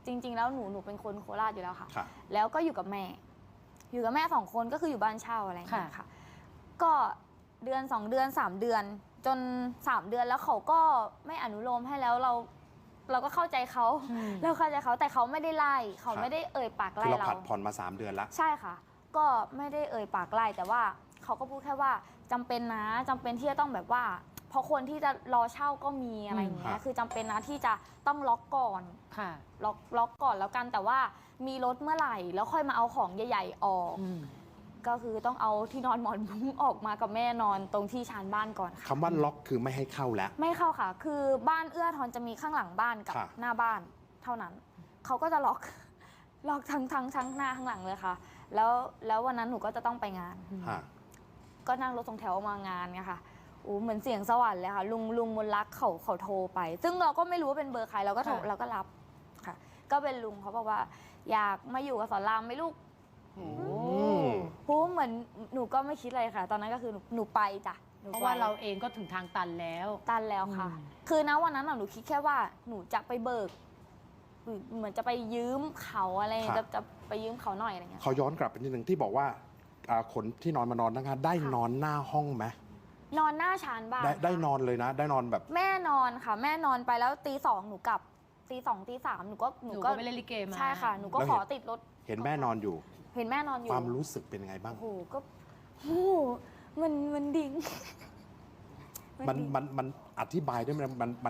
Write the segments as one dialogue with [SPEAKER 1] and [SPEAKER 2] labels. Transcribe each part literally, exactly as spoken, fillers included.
[SPEAKER 1] จริง ๆ แล้วหนูหนูเป็นคนโคราชอยู่แล้วค่ะ
[SPEAKER 2] ค่ะ
[SPEAKER 1] แล้วก็อยู่กับแม่ อยู่กับแม่สองคนก็คืออยู่บ้านเช่าอะไรอย่างเงี้ย
[SPEAKER 3] ค่ะ
[SPEAKER 1] ค่ะ ก็เดือนสองเดือนสามเดือน จนสามเดือนแล้วเขาก็ไม่อนุโลมให้แล้วเรา เราก็เข้าใจเขา
[SPEAKER 3] อืม
[SPEAKER 1] เราเข้าใจเขาแต่เขาไม่ได้ไล่เขา
[SPEAKER 2] ครับ
[SPEAKER 1] ไม่ได้เอ่ยปาก
[SPEAKER 2] คือ
[SPEAKER 1] ไล่
[SPEAKER 2] เรา
[SPEAKER 1] เรา
[SPEAKER 2] ผัดผ่อนมาสามเดือนละ
[SPEAKER 1] ใช่ค่ะ ก็ไม่ได้เอ่ยปากไล่แต่ว่าเขาก็พูดแค่ว่าจำเป็นนะจำเป็นที่จะต้องแบบว่าเพราะคนที่จะรอเช่าก็มีอะไรอย่างเงี้
[SPEAKER 2] ครั
[SPEAKER 1] ย
[SPEAKER 2] บ
[SPEAKER 1] คือจำเป็นนะที่จะต้องล็อกก่อน
[SPEAKER 3] ค่ะ
[SPEAKER 1] ล็อกล็อกก่อนแล้วกันแต่ว่ามีรถเมื่อไหร่แล้วค่อยมาเอาของใหญ่ๆออก
[SPEAKER 3] อืม
[SPEAKER 1] ก็คือต้องเอาที่นอนหมอนมุ้งออกมากับแม่นอนตรงที่ชานบ้านก่อนค่ะ
[SPEAKER 2] คำว่าล็อกคือไม่ให้เข้าแล้ว
[SPEAKER 1] ไม่เข้าค่ะ คือบ้านเอื้อทอนจะมีข้างหลังบ้านกับ
[SPEAKER 2] ค่ะ
[SPEAKER 1] หน้าบ้านเท่านั้น เขาก็จะล็อก ล็อกทั้งทั้งทั้งหน้าข้างหลังเลยค่ะ แล้วแล้ววันนั้นหนูก็จะต้องไปงาน
[SPEAKER 2] ฮะ
[SPEAKER 1] ก็นั่งรถสองแถวมางานไงค่ะโอ้เหมือนเสียงสวรรค์เลยค่ะ ลุงลุงมนลักเขาเขาโทรไป ซึ่งเราก็ไม่รู้ว่าเป็นเบอร์ใครเราก็โทร
[SPEAKER 3] ค่ะ
[SPEAKER 1] เราก็รับค่ะ ก็เป็นลุงเขาบอกว่า อยากมาอยู่กับสอนรามไหมลูก
[SPEAKER 3] โอ้
[SPEAKER 2] ม
[SPEAKER 1] พูเหมือนหนูก็ไม่คิดอะไรค่ะ ตอนนั้นก็คือหนูหนูไปจ้ะหนู
[SPEAKER 3] เพ
[SPEAKER 1] ไป
[SPEAKER 3] ราะว่าเราเองก็ถึงทางตันแล้ว
[SPEAKER 1] ตันแล้วค่ะ
[SPEAKER 3] อืม
[SPEAKER 1] คือณวันนั้นน่ะหนูคิดแค่ว่าหนูจะไปเบิกหรือเหมือนจะไปยืมเขาอะไร
[SPEAKER 2] ครับ
[SPEAKER 1] จะจะไปยืมเขาหน่อยอะไรเงี้ย
[SPEAKER 2] ขอย้อนกลับไปนิดหนึ่งที่บอกว่าอ่าขนที่นอนมานอนนะคะได้
[SPEAKER 1] ค่ะ
[SPEAKER 2] นอนหน้าห้องไหม
[SPEAKER 1] นอนหน้าชานบ้าน
[SPEAKER 2] ได้ได้
[SPEAKER 1] ค่ะ
[SPEAKER 2] นอนเลยนะ ได้นอนแบบ
[SPEAKER 1] แม่นอนค่ะ แม่นอนไปแล้วตีสองหนูกลับตีสองตีสามหนูก็
[SPEAKER 3] หนูก็ไปเล่นลิเกมา
[SPEAKER 1] ใช่ค่ะหนูก็
[SPEAKER 2] แล้ว
[SPEAKER 1] ข
[SPEAKER 2] เห็
[SPEAKER 1] อน ติดรถ
[SPEAKER 2] เห็นแม่นอนอยู่
[SPEAKER 1] เห็นแม่นอนอยู่
[SPEAKER 2] ความรู้สึกเป็นยังไงบ้าง
[SPEAKER 1] โอ้โหก็โอ้โหมันมันดิ่ง
[SPEAKER 2] มัน
[SPEAKER 1] ดิ่ง
[SPEAKER 2] มันมันอธิบายได้ไหมมันมัน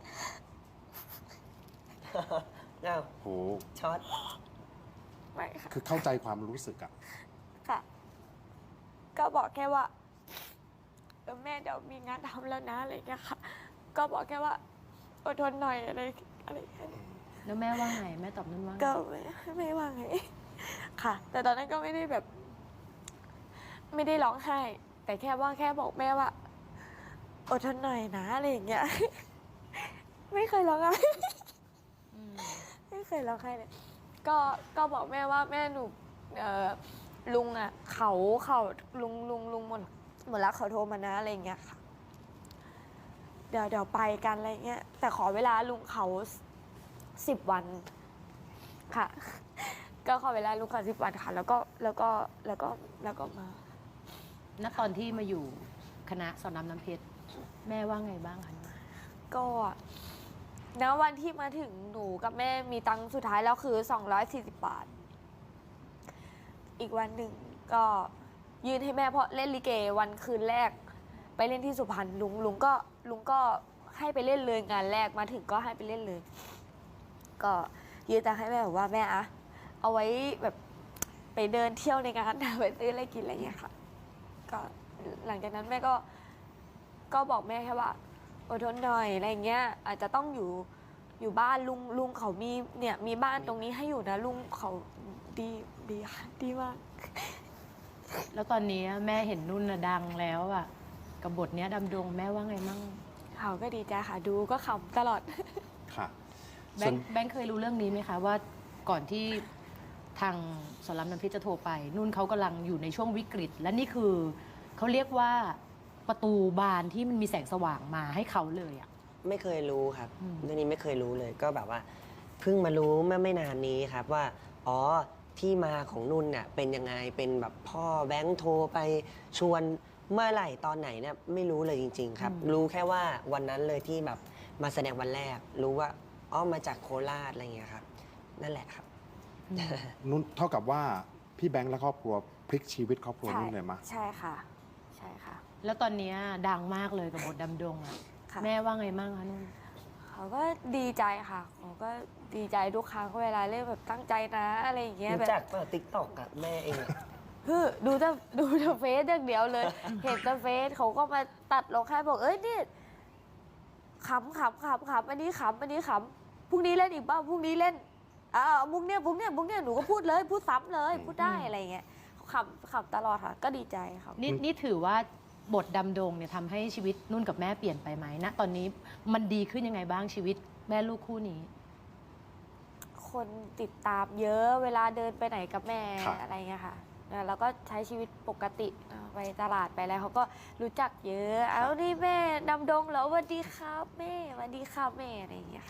[SPEAKER 4] อ้าว
[SPEAKER 2] โห
[SPEAKER 4] ช็อต
[SPEAKER 1] ไม่ค่ะ
[SPEAKER 2] คือเข้าใจความรู้สึกอะ
[SPEAKER 1] ค่ะ ก็บอกแค่ว่าเออแม่เดี๋ยวมีงานทำแล้วนะอะไรอย่างเงี้ยค่ะ ก็บอกแค่ว่าอดทนหน่อยอะไรอะไรแค่นี้
[SPEAKER 3] แล้วแม่ว่าไง แม่ตอบนุ่นว่าไง
[SPEAKER 1] ก็ไม่ไม่ว่าไง ค่ะ แต่ตอนนั้นก็ไม่ได้แบบ ไม่ได้ร้องไห้ แต่แค่ว่าแค่บอกแม่ว่าอดทนหน่อยนะอะไรอย่างเงี้ย ไม่เคยร้องไห้
[SPEAKER 3] อืม
[SPEAKER 1] ไม่เคยร้องไห้เลย ก็ก็บอกแม่ว่าแม่หนูเอ่อลุงอ่ะ เขาเขาลุงลุงลุงหมดหมดแล้วเขาโทรมานะอะไรอย่างเงี้ยค่ะ เดี๋ยวเดี๋ยวไปกันอะไรเงี้ย แต่ขอเวลาลุงเขาสิบวันค่ะ ก็ขอเวลาลุงเขาสิบวันค่ะ แล้วก็แล้วก็แล้วก็แล้วก็มา
[SPEAKER 3] ณตอนที่มาอยู่คณะสอนรามน้ำเพชรแม่ว่าไงบ้างคะ
[SPEAKER 1] ก็ณวันที่มาถึงหนูกับแม่มีตังค์สุดท้ายแล้วคือสองร้อยสี่สิบบาท อีกวันหนึ่งก็ยืนให้แม่เพราะเล่นลิเกวันคืนแรก ไปเล่นที่สุพรรณลุงลุงก็ลุงก็ให้ไปเล่นเลยงานแรกมาถึงก็ให้ไปเล่นเลย ก็ยืนตังค์ให้แม่บอกว่าแม่อะเอาไว้แบบไปเดินเที่ยวในงาน ไปซื้ออะไรกินอะไรอย่างเงี้ยค่ะ ก็หลังจากนั้นแม่ก็ ก็บอกแม่แค่ว่าอดทนหน่อยอะไรอย่างเงี้ย อาจจะต้องอยู่อยู่บ้านลุงลุงเขามีเนี่ยมีบ้านตรงนี้ให้อยู่นะลุงเขาดีดีค่ะดีมาก
[SPEAKER 3] แล้วตอนนี้แม่เห็นนุ่นน่ะดังแล้วอะกับบทเนี้ยดำดงแม่ว่าไงมั่ง
[SPEAKER 1] เขาก็ดีใจค่ะ ดูก็ขำตลอด
[SPEAKER 2] ค่ะ
[SPEAKER 3] แบ
[SPEAKER 2] ส่ว
[SPEAKER 3] ง
[SPEAKER 2] น
[SPEAKER 3] ค์แบงค์เคยรู้เรื่องนี้ไหมคะว่าก่อนที่ทางสอนรามน้ำเพชรจะโทรไป นุ่นเขากำลังอยู่ในช่วงวิกฤต และนี่คือเขาเรียกว่าประตูบานที่มันมีแสงสว่างมาให้เขาเลยอะ
[SPEAKER 4] ไม่เคยรู้ครับ
[SPEAKER 3] อืม
[SPEAKER 4] เรื่องนี้ไม่เคยรู้เลย ก็แบบว่า เพิ่งมารู้เมื่อไม่นานนี้ครับว่า อ๋อ ที่มาของนุ่นเนี่ยเป็นยังไง เป็นแบบพ่อแบงค์โทรไปชวนเมื่อไหร่ตอนไหนเนี่ยไม่รู้เลยจริง ๆ ครับ รู้แค่ว่าวันนั้นเลยที่แบบมาแสดงวันแรก รู้ว่าอ๋อมาจากโคราชอะไรเงี้ยครับ นั่นแหละครับ
[SPEAKER 2] นุ่นเท่ากับว่าพี่แบงค์และครอบครัวพลิกชีวิตครอบครัว
[SPEAKER 1] ใช่
[SPEAKER 2] นุ่นเลยมะ
[SPEAKER 1] ใช่ค่ะ ใช่ค่ะ
[SPEAKER 3] แล้วตอนเนี้ยดังมากเลยกับบทดำดงอะ
[SPEAKER 1] ค่ะ
[SPEAKER 3] แม่ว่าไงมั่งคะนุ่น
[SPEAKER 1] เขาก็ดีใจค่ะเขาก็ดีใจทุกครั้งเวลาเล่นแบบตั้งใจนะอะไรอย่างเงี้ยแบ
[SPEAKER 4] รู้
[SPEAKER 1] บ
[SPEAKER 4] จักเปล่าติ๊กต็อกอะแม่เองอะ
[SPEAKER 1] คือดูแต่ดูแต่เฟซอย่างเดียวเลย เห็นแต่เฟซเขาก็มาตัดลงแค่บอกเอ้ยนี่ขำขำขำขำอันนี้ขำอันนี้ขำพรุ่งนี้เล่นอีกบ้างพรุ่งนี้เล่นอ่ามุกเนี้ยมุกเนี้ยมุกเนี้ยหนูก็พูดเลยพูดซ้ำเลยพูดได้อะไรอย่างเงี้ยเขาขำขำตลอดค่ะ ก็ดีใจค่ะ
[SPEAKER 3] นี่นี่ถือว่าบทดำดงเนี่ยทำให้ชีวิตนุ่นกับแม่เปลี่ยนไปไหมณตอนนี้มันดีขึ้นยังไงบ้างชีวิตแม่ลูกคู่นี้
[SPEAKER 1] คนติดตามเยอะเวลาเดินไปไหนกับแม่
[SPEAKER 2] ครับ
[SPEAKER 1] อะไรเงี้ยค่ะแล้วก็ใช้ชีวิตปกติอ่าไปตลาดไปอะไรเขาก็รู้จักเยอะ เอานี่แม่ดำดงเหรอสวัสดีครับแม่สวัสดีครับแม่อะไรอย่างเงี้ยค่ะ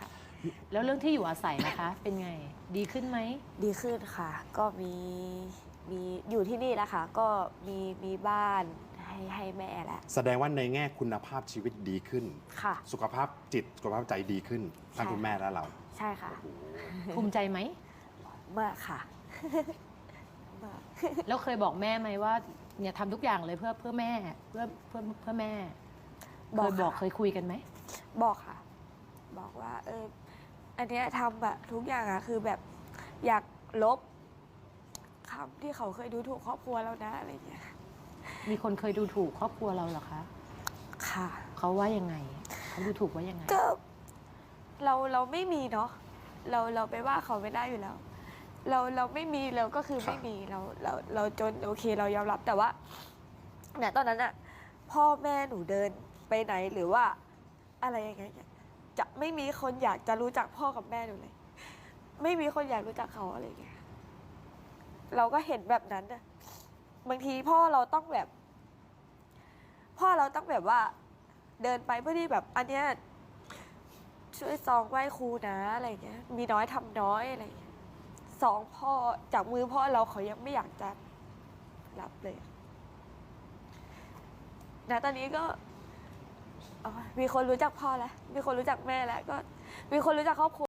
[SPEAKER 3] แล้วเรื่องที่อยู่อาศัยนะคะ เป็นไงดีขึ้นไหม
[SPEAKER 1] ดีขึ้นค่ะ ก็มีมีอยู่ที่นี่แล้วค่ะ ก็มีมีบ้านให้ให้แม่แล้ว
[SPEAKER 2] แสดงว่าในแง่คุณภาพชีวิตดีขึ้น
[SPEAKER 1] ค่ะ
[SPEAKER 2] สุขภาพจิตสุขภาพใจดีขึ้นทั้ง
[SPEAKER 1] ใช่
[SPEAKER 2] คุณแม่และเรา
[SPEAKER 1] ใช่ค่ะ
[SPEAKER 3] ภูมิใจไหม
[SPEAKER 1] มากค่ะ มาก
[SPEAKER 3] แล้วเคยบอกแม่ไหมว่าเนี่ยทำทุกอย่างเลยเพื่อเพื่อแม่เพื่อเพื่อเพื่อแม่
[SPEAKER 1] บ
[SPEAKER 3] เค
[SPEAKER 1] อก
[SPEAKER 3] ยบอก
[SPEAKER 1] ค่ะ
[SPEAKER 3] เคยคุยกันไหม
[SPEAKER 1] บอกค่ะ บอกว่า เออ อันเนี้ยทำอะทุกอย่างอะคือแบบอยากลบคำที่เขาเคยดูถูกครอบครัวเรานะอะไรเงี้ย
[SPEAKER 3] มีคนเคยดูถูกครอบครัวเราเหรอคะ
[SPEAKER 1] ค่ะ
[SPEAKER 3] เขาว่ายังไงเขาดูถูกว่ายังไง
[SPEAKER 1] ก็เราเราไม่มีเนาะเราเราไปว่าเขาไม่ได้อยู่แล้ว เราเราไม่มีเราก็คือ
[SPEAKER 2] ครับ
[SPEAKER 1] ไม่มีเราเราเราจนโอเคเรายอมรับแต่ว่าเนี่ยตอนนั้นอะพ่อแม่หนูเดินไปไหนหรือว่าอะไรยังไงเนี่ยจะไม่มีคนอยากจะรู้จักพ่อกับแม่หนูเลย ไม่มีคนอยากรู้จักเขาอะไรอย่างเงี้ยเราก็เห็นแบบนั้นอะบางทีพ่อเราต้องแบบ พ่อเราต้องแบบว่า เดินไปเพื่อที่แบบ อันเนี้ยช่วยซองไหว้ครูนะอะไรอย่างเงี้ย มีน้อยทำน้อยอะไรอย่างเงี้ยสองพ่อจากมือพ่อเราเขายังไม่อยากจะรับเลยนะตอนนี้ก็อ๋อมีคนรู้จักพ่อแล้ว มีคนรู้จักแม่แล้ว ก็มีคนรู้จักครอบครัว